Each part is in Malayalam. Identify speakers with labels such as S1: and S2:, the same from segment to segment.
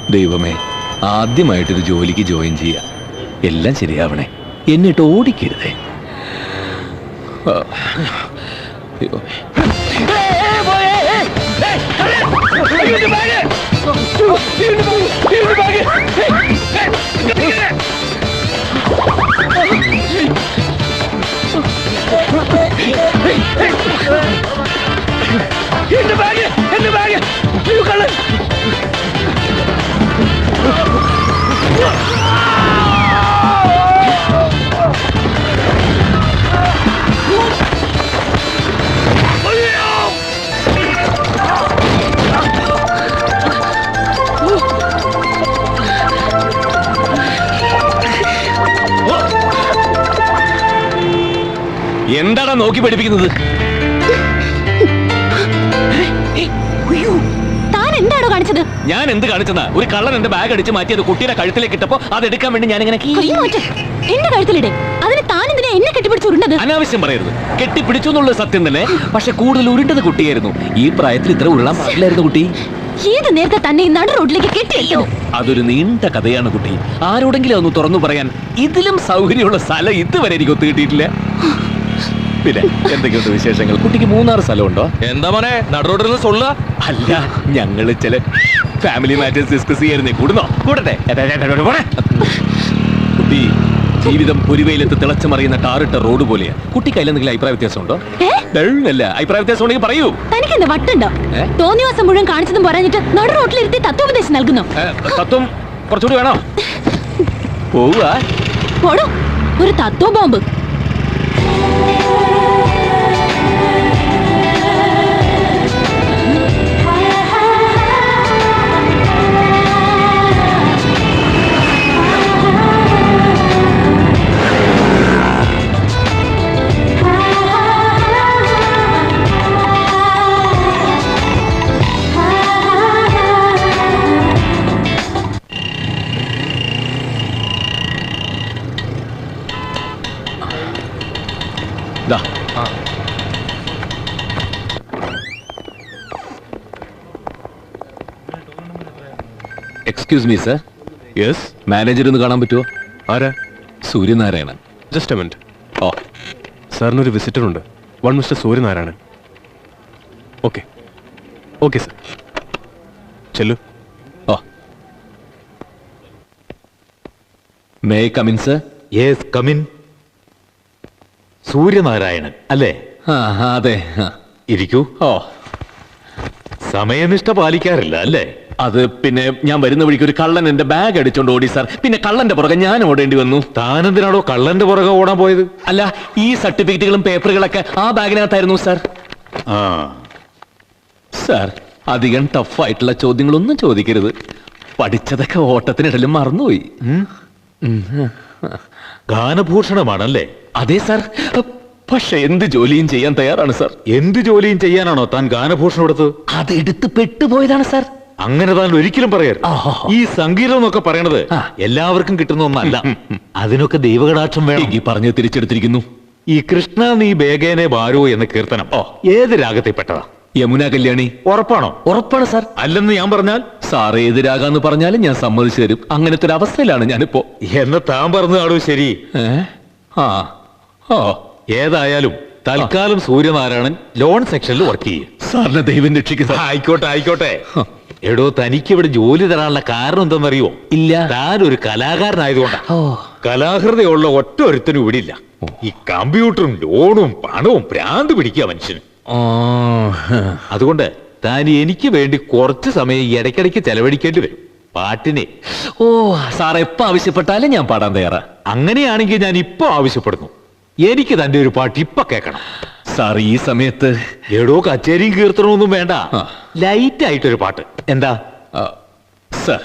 S1: ദൈവമേ, ആദ്യമായിട്ടൊരു ജോലിക്ക് ജോയിൻ ചെയ്യാ. എല്ലാം ശരിയാവണേ, എന്നിട്ട് ഓടിക്കരുതേ. എന്താടാ നോക്കി പഠിപ്പിക്കുന്നത്?
S2: എന്താണോ കാണിച്ചത്?
S1: ഞാൻ എന്ത് കാണിച്ചതാ? ഒരു കള്ളൻ എന്റെ ബാഗ് അടിച്ച് മാറ്റിയത് കുട്ടിയുടെ കഴുത്തിലേക്ക് ഇട്ടപ്പോ അത് എടുക്കാൻ വേണ്ടി ഞാൻ ഇങ്ങനെ
S2: എന്റെ കഴുത്തിലിടെ. അതിന് താൻ എന്തിനാ എന്നെ കെട്ടിപ്പിടിച്ച് ഉരുണ്ടത്?
S1: അനാവശ്യം പറയരുത്. കെട്ടിപ്പിടിച്ചു എന്നുള്ളത് സത്യം തന്നെ, പക്ഷെ കൂടുതൽ ഉരുണ്ടത് കുട്ടിയായിരുന്നു. ഈ പ്രായത്തിൽ ഇത്ര ഉരുളാൻ പാടില്ലായിരുന്നു കുട്ടി.
S2: ഏത് നേരത്തെ തന്നെ നടു റോഡിലേക്ക് കെട്ടിയോ?
S1: അതൊരു നീണ്ട കഥയാണ് കുട്ടി. ആരോടെങ്കിലും ഒന്ന് തുറന്നു പറയാൻ ഇതിലും സൗകര്യമുള്ള സ്ഥലം ഇതുവരെ എനിക്ക് ഒത്തുകിട്ടിയിട്ടില്ല. പിന്നെ എന്തൊക്കെയുണ്ട് വിശേഷങ്ങൾ? കുട്ടിക്ക് 3-6 സ്ഥലമുണ്ടോ?
S3: എന്താ മോനെ നടുറോഡിൽ നിന്ന് സൊല്ല?
S1: അല്ല, ഞങ്ങള് ചില ഫാമിലി മാറ്റേഴ്സ് ഡിസ്കസ് ചെയ്യായിരുന്നേ. കൂടുന്നോ? കൂടട്ടെ. കുട്ടി, ജീവിതം ഒരു വെയിലത്ത് തിളച്ചു മറിയുന്ന ടാറിട്ട റോഡ് പോലെയാ. കുട്ടിക്ക് അതിലെന്തെങ്കിലും അഭിപ്രായ വ്യത്യാസം ഉണ്ടോ? അല്ല, അഭിപ്രായ വ്യത്യാസം ഉണ്ടെങ്കിൽ പറയൂ.
S2: തനിക്ക് എന്താ വട്ടുണ്ടോ? തോന്നിവാസം മുഴുവൻ കാണിച്ചതും പറഞ്ഞിട്ട് നടു റോഡിലിരുത്തി തത്വോപദേശം നൽകുന്നു.
S1: തത്വം കുറച്ചുകൂടി വേണോ? പോവാ
S2: ഒരു തത്വ bomb.
S1: Excuse me sir.
S3: Yes.
S1: Manager ഒന്ന് കാണാൻ പറ്റുമോ?
S3: ആരാ?
S1: സൂര്യനാരായണൻ.
S3: Just a minute.
S1: ഓ,
S3: സാറിനൊരു വിസിറ്റർ ഉണ്ട്. One mister Suryanarayanan. Okay okay sir, ചെല്ലു.
S1: ഓ, may I come in sir?
S4: Yes, come in. Suryanarayanan അല്ലേ?
S1: അതെ.
S4: ഇരിക്കൂ.
S1: ഓ,
S4: സമയനിഷ്ഠ പാലിക്കാറില്ല അല്ലേ?
S1: അത് പിന്നെ ഞാൻ വരുന്ന വഴിക്ക് ഒരു കള്ളൻ എന്റെ ബാഗ് അടിച്ചോണ്ട് ഓടി സാർ. പിന്നെ കള്ളന്റെ പുറകെ ഞാൻ ഓടേണ്ടി വന്നു.
S4: താനെന്തിനാണോ കള്ളന്റെ പുറകെ ഓടാൻ പോയത്?
S1: അല്ല, ഈ സർട്ടിഫിക്കറ്റുകളും പേപ്പറുകളൊക്കെ ആ ബാഗിനകത്തായിരുന്നു സാർ. സാർ, അധികം ടഫായിട്ടുള്ള ചോദ്യങ്ങളൊന്നും ചോദിക്കരുത്. പഠിച്ചതൊക്കെ ഓട്ടത്തിനിടയിലും മറന്നുപോയി.
S4: ഗാനഭൂഷണമാണല്ലേ?
S1: അതെ സാർ, പക്ഷെ എന്ത് ജോലിയും ചെയ്യാൻ തയ്യാറാണ് സാർ.
S4: എന്ത് ജോലിയും ചെയ്യാനാണോ താൻ ഗാനഭൂഷണം എടുത്തത്?
S1: അത് എടുത്ത് പെട്ടുപോയതാണ് സാർ.
S4: അങ്ങനെ താൻ ഒരിക്കലും പറയരുത്. ഈ സംഗീതം എന്നൊക്കെ പറയണത് എല്ലാവർക്കും കിട്ടുന്ന ഒന്നല്ല. അതിനൊക്കെ ദൈവകടാക്ഷം വേണം.
S1: ഈ പറഞ്ഞ് തിരിച്ചെടുത്തിരിക്കുന്നു.
S4: ഈ കൃഷ്ണ നീ ബേഗേനെ ബാരോ എന്ന കീർത്തനം ഏത് രാഗത്തിൽപ്പെട്ടതാ?
S1: യമുന കല്യാണി.
S4: ഉറപ്പാണോ?
S1: ഉറപ്പാണ് സാർ.
S4: അല്ലെന്ന് ഞാൻ പറഞ്ഞാൽ?
S1: സാർ ഏത് രാഗാന്ന് പറഞ്ഞാലും ഞാൻ സമ്മതിച്ചു തരും. അങ്ങനത്തെ ഒരു അവസ്ഥയിലാണ് ഞാനിപ്പോ.
S4: എന്ന് താൻ പറഞ്ഞതാണോ ശരി? ഏതായാലും തൽക്കാലം സൂര്യനാരായണൻ ലോൺ സെക്ഷനിൽ വർക്ക് ചെയ്യും.
S1: സാറിനെ ദൈവം രക്ഷിക്കുക.
S4: ആയിക്കോട്ടെ ആയിക്കോട്ടെ. എടോ, തനിക്ക് ഇവിടെ ജോലി തരാനുള്ള കാരണം എന്തെന്നറിയോ?
S1: ഇല്ല.
S4: താൻ ഒരു കലാകാരനായതുകൊണ്ടാ. കലാഹൃദയമുള്ള ഒറ്റ ഒരുത്തനും ഇവിടെ ഇല്ല. ഈ കമ്പ്യൂട്ടറും ലോണും പണവും ഭ്രാന്ത് പിടിക്കുക മനുഷ്യന്. അതുകൊണ്ട് താൻ എനിക്ക് വേണ്ടി കുറച്ച് സമയം ഇടയ്ക്കിടയ്ക്ക് ചെലവഴിക്കേണ്ടി വരും പാട്ടിനെ.
S1: സാർ എപ്പോ ആവശ്യപ്പെട്ടാലും ഞാൻ പാടാൻ തയ്യാറാ.
S4: അങ്ങനെയാണെങ്കിൽ ഞാൻ ഇപ്പൊ ആവശ്യപ്പെടുന്നു, എനിക്ക് തന്റെ ഒരു പാട്ട് ഇപ്പൊ കേൾക്കണം.
S1: സാർ ഈ സമയത്ത്?
S4: എടോ, കച്ചേരിയും കീർത്തനമൊന്നും വേണ്ട, ലൈറ്റ് ആയിട്ടൊരു പാട്ട്. എന്താ
S1: സാർ?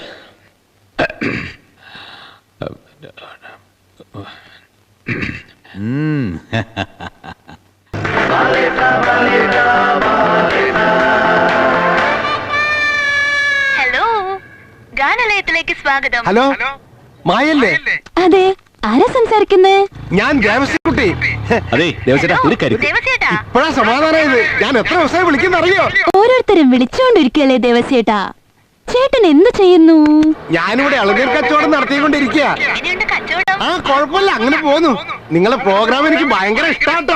S2: ഹലോ, ഗാനലയത്തിലേക്ക് സ്വാഗതം.
S3: ഹലോ, മായല്ലേ?
S2: അതെ, ആരാ സംസാരിക്കുന്നേ?
S3: ഞാൻ ദേവസ്യക്കുട്ടി.
S1: അതെ ദേവസേട്ടാ, ഒരു കാര്യം.
S3: ഇപ്പഴാ സമാധാനമായത്. ഞാൻ എത്ര ദിവസമായി വിളിക്കുന്ന അറിയോ?
S2: ഓരോരുത്തരും വിളിച്ചോണ്ടിരിക്കല്ലേ ദേവസ്യേട്ടാ. ചേട്ടൻ എന്ത് ചെയ്യുന്നു?
S3: ഞാനിവിടെ ഇളനീർ കച്ചവടം നടത്തിക്കൊണ്ടിരിക്കുക. ആ കുഴപ്പമില്ല, അങ്ങനെ പോന്നു. നിങ്ങളെ പ്രോഗ്രാം എനിക്ക് ഭയങ്കര ഇഷ്ടാട്ടോ.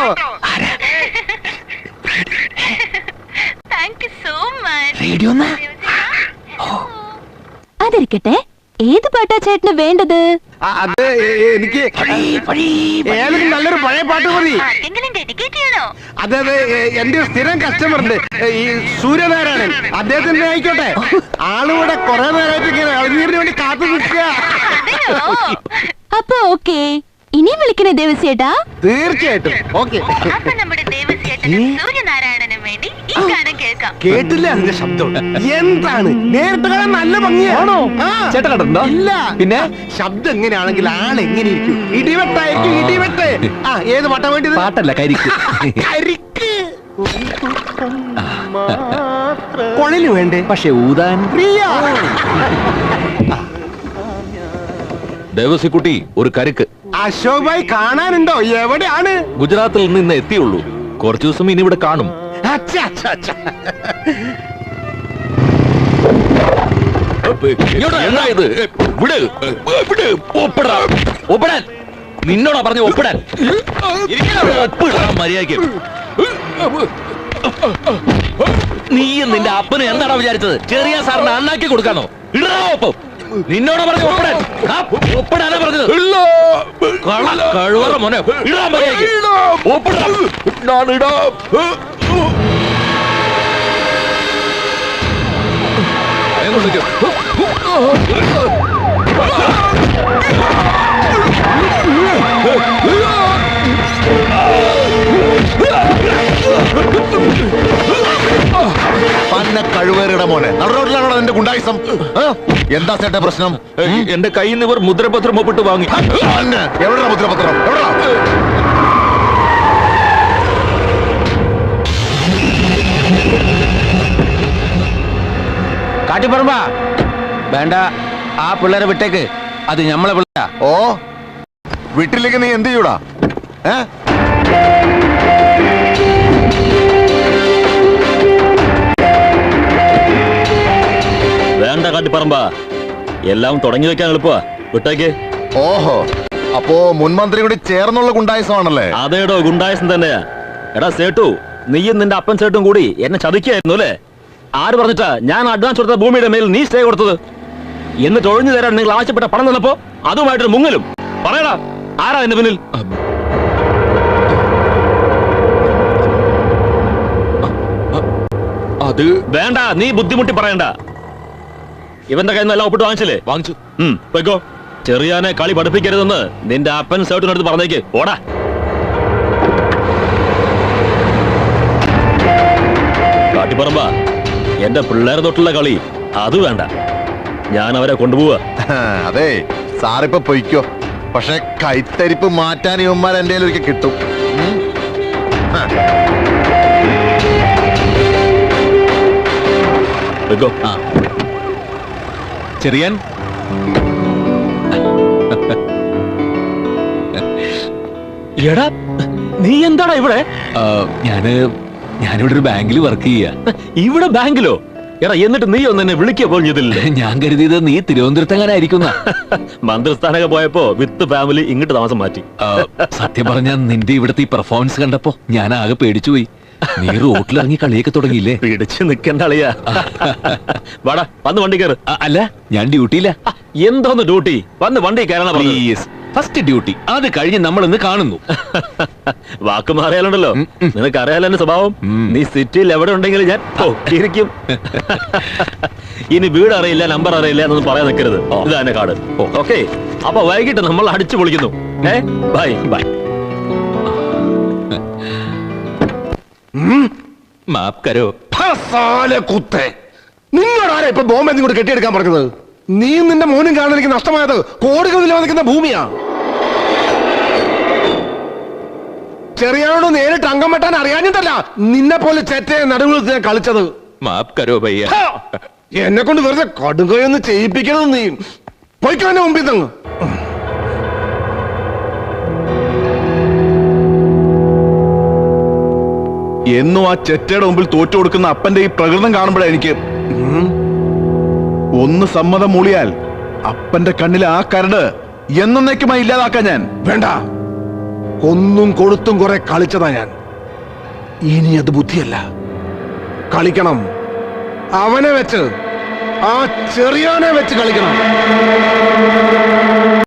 S2: അതിരിക്കട്ടെ, ഏത് പാട്ടാ ചേട്ടന് വേണ്ടത്?
S3: അത് എനിക്ക് ഏതെങ്കിലും നല്ലൊരു പഴയ പാട്ട് മതി. അതെ എന്റെ ഒരു സ്ഥിരം കസ്റ്റമർ ഉണ്ട്, ഈ സൂര്യനാരായണൻ. അദ്ദേഹത്തിന്റെ ആയിക്കോട്ടെ. ആളിവിടെ കുറെ നേരമായിട്ട് ഇങ്ങനെ ഇളനീരിന് വേണ്ടി കാത്തു നിൽക്കുക.
S2: അപ്പൊ ഓക്കെ, ഇനി വിളിക്കണേ ദേവസ്യേട്ടാ?
S3: തീർച്ചയായിട്ടും ഓക്കെ. കേട്ടില്ല അതിന്റെ ശബ്ദം എന്താണ്? നേരിട്ട് കാണാൻ നല്ല ഭംഗിയാണോ?
S1: ചേട്ടൻ കണ്ടിട്ടുണ്ടോ?
S3: ഇല്ല.
S1: പിന്നെ
S3: ശബ്ദം എങ്ങനെയാണെങ്കിൽ ആൾ എങ്ങനെ ഇരിക്കും? ഇടിവെട്ടായിരിക്കും, ഇടിവെട്ട്. ആ ഏത് പാട്ടാ വേണ്ടത്?
S1: പാട്ടല്ല, കരിക്ക്.
S3: കരിക്ക് കൊളിന് വേണ്ടേ?
S1: പക്ഷെ ഊതാൻ
S3: പ്രിയ.
S1: ദേവസിക്കുട്ടി ഒരു കരുക്ക്.
S3: അശോക് ഭായ് കാണാനുണ്ടോ? എവിടെയാണ്?
S1: ഗുജറാത്തിൽ നിന്ന് ഇന്ന് എത്തിയുള്ളൂ. കുറച്ചു ദിവസം ഇനി ഇവിടെ കാണും.
S3: അച്ഛാ, അച്ഛാ, അച്ഛാ.
S1: എന്താ ഇത്? വിട്, വിട്, ഒപ്പിടാ, ഒപ്പിടാൻ. നിന്നോടാ പറഞ്ഞ ഒപ്പിടാൻ. ഒപ്പിടാ മര്യാദയ്ക്ക്. നീയും നിന്റെ അപ്പനും എന്താടാ വിചാരിച്ചത്? ചെറിയ സാറിന് അണ്ണാക്കി കൊടുക്കാനോ? ഇടാ ഒപ്പം. നിന്നോട് പറഞ്ഞു ഒപ്പിടാൻ. ഒപ്പിടാനാ പറഞ്ഞത്. കഴിവറ മോനെ, ഇടാ മര്യാദയ്ക്ക്. ഒപ്പിടാ.
S5: പന്ന കഴിവേറിയുടെ മോനെ നടുറോട്ടിലാണോ എന്റെ ഗുണ്ടായിസം? എന്താ ചേട്ടാ പ്രശ്നം?
S1: എന്റെ കയ്യിൽ നിന്ന് ഇവർ മുദ്രപത്രം ഒപ്പിട്ട് വാങ്ങി.
S5: എവിടെയാ മുദ്രപത്രം? എവിടാ?
S6: കാട്ടിപ്പറമ്പ വേണ്ട, ആ പിള്ളേരെ വിട്ടേക്ക്. അത് ഞമ്മളെ പിള്ളേരാ.
S5: ഓ വീട്ടിലേക്ക് നീ എന്ത് ചെയ്യൂടാ?
S1: വേണ്ട കാട്ടിപ്പറമ്പ, എല്ലാം തുടങ്ങി വെക്കാൻ എളുപ്പ. വിട്ടേക്ക്.
S5: ഓഹോ, അപ്പോ മുൻമന്ത്രി കൂടി ചേർന്നുള്ള ഗുണ്ടായിസമാണല്ലേ?
S1: അതേടോ, ഗുണ്ടായസം തന്നെയാ. എടാ സേട്ടു, നീയും നിന്റെ അപ്പൻ സേട്ടും കൂടി എന്നെ ചതിക്കായിരുന്നു അല്ലേ? ആര് പറഞ്ഞിട്ടാ ഞാൻ അഡ്വാൻസ് കൊടുത്ത ഭൂമിയുടെ മേൽ നീ സ്റ്റേ കൊടുത്തത്? എന്നിട്ട് ഒഴിഞ്ഞു തരാൻ നിങ്ങൾ ആവശ്യപ്പെട്ട പണം തന്നപ്പോ അതുമായിട്ടൊരു മുങ്ങലും. പറയടാ, ആരാ എന്റെ പിന്നിൽ?
S5: അത്
S1: വേണ്ട, നീ ബുദ്ധിമുട്ടി പറയണ്ട. ഇവന്റെ കയ്യിൽ നിന്ന് എല്ലാം ഒപ്പിട്ട് വാങ്ങിച്ചില്ലേ?
S5: വാങ്ങിച്ചു.
S1: വെക്കോ. ചെറിയാനെ കളി പഠിപ്പിക്കരുതെന്ന് നിന്റെ അപ്പൻ സേട്ടിനടുത്ത് പറഞ്ഞേക്ക്. ഓടാ. കാട്ടിപ്പറമ്പ, എന്റെ പിള്ളേരെ തൊട്ടുള്ള കളി അത് വേണ്ട. ഞാൻ അവരെ കൊണ്ടുപോവാ.
S5: അതെ സാറിപ്പോ പൊയ്ക്കോ. പക്ഷെ കൈത്തരിപ്പ് മാറ്റാൻ ഇവന്മാർ എന്റെ ഒരിക്കൽ കിട്ടും.
S1: വെക്കോ. ചെറിയാൻ, എടാ നീ എന്താടാ ഇവിടെ?
S7: ഞാനിവിടെ ഒരു ബാങ്കിൽ വർക്ക് ചെയ്യാ.
S1: ഇവിടെ ബാങ്കിലോ? എടാ എന്നിട്ട് നീ ഒന്ന് എന്നെ വിളിക്കുക പോലും ചെയ്തില്ല.
S7: ഞാൻ കരുതിയത് നീ തിരുവനന്തപുരത്തെങ്ങനായിരിക്കുന്ന.
S1: മന്ത്രിസ്ഥാനൊക്കെ പോയപ്പോ വിത്ത് ഫാമിലി ഇങ്ങോട്ട് താമസം മാറ്റി.
S7: സത്യം പറഞ്ഞ നിന്റെ ഇവിടുത്തെ ഈ പെർഫോമൻസ് കണ്ടപ്പോ ഞാൻ ആകെ പേടിച്ചുപോയി. നീ റോട്ടിലിറങ്ങി കളിയൊക്കെ തുടങ്ങിയില്ലേ?
S1: പിടിച്ചു നിൽക്കേണ്ട അളിയാ. വാടാ, വന്ന് വണ്ടി കയറ്.
S7: അല്ല, ഞാൻ ഡ്യൂട്ടിയില്ല.
S1: എന്തോന്ന് ഡ്യൂട്ടി? വന്ന് വണ്ടി കയറണം.
S7: പ്ലീസ്, ഫസ്റ്റ് ഡ്യൂട്ടി അത് കഴിഞ്ഞ് നമ്മൾ ഇന്ന് കാണുന്നു.
S1: വാക്ക് മാറിയാലുണ്ടല്ലോ. നിനക്ക് അറിയാലോ എന്റെ സ്വഭാവം. നീ സിറ്റിയിൽ എവിടെ ഉണ്ടെങ്കിലും ഞാൻ ഇരിക്കും. ഇനി വീട് അറിയില്ല, നമ്പർ അറിയില്ല എന്നൊന്നും പറയാൻ നിൽക്കരുത്. ഇതാ എന്റെ കാർഡ്. ഓക്കെ, അപ്പൊ വൈകിട്ട് നമ്മൾ അടിച്ചു പൊളിക്കുന്നു. Bye bye.
S7: മാപ്പ് കരോ.
S3: നിങ്ങളാരാ ഇപ്പൊ ബോംബെ കൂടെ കെട്ടിയെടുക്കാൻ പറഞ്ഞത്? നീ നിന്റെ മോനും കാണാൻ എനിക്ക് നഷ്ടമായത് കോടികൾ വിലമതിക്കുന്ന ഭൂമിയാ. ചെറിയാനോട് നേരിട്ട് അംഗം വെട്ടാൻ അറിയാഞ്ഞിട്ടല്ല നിന്നെ പോലെ ചെറ്റയെ നടുവിൽ കളിച്ചത്.
S7: മാപ്പ് കരോ ഭയ്യ.
S3: എന്നെ കൊണ്ട് വെറുതെ കടുകയൊന്ന് ചെയ്യിപ്പിക്കണത്. നീ പോയിക്കോ എന്നെ മുമ്പിൽ തങ്ങ്.
S5: എന്നും ആ ചെറ്റയുടെ മുമ്പിൽ തോറ്റു കൊടുക്കുന്ന അപ്പന്റെ ഈ പ്രകൃതം കാണുമ്പോഴേ എനിക്ക് ഒന്ന് സമ്മതം മൂളിയാൽ അപ്പന്റെ കണ്ണിലെ ആ കരട് എന്നേക്കുമായി ഇല്ലാതാക്കാൻ ഞാൻ.
S3: വേണ്ട, കൊന്നും കൊടുത്തും കുറെ കളിച്ചതാ ഞാൻ. ഇനി അത് ബുദ്ധിയല്ല, കളിക്കണം. അവനെ വെച്ച്, ആ ചെറിയോനെ വെച്ച് കളിക്കണം.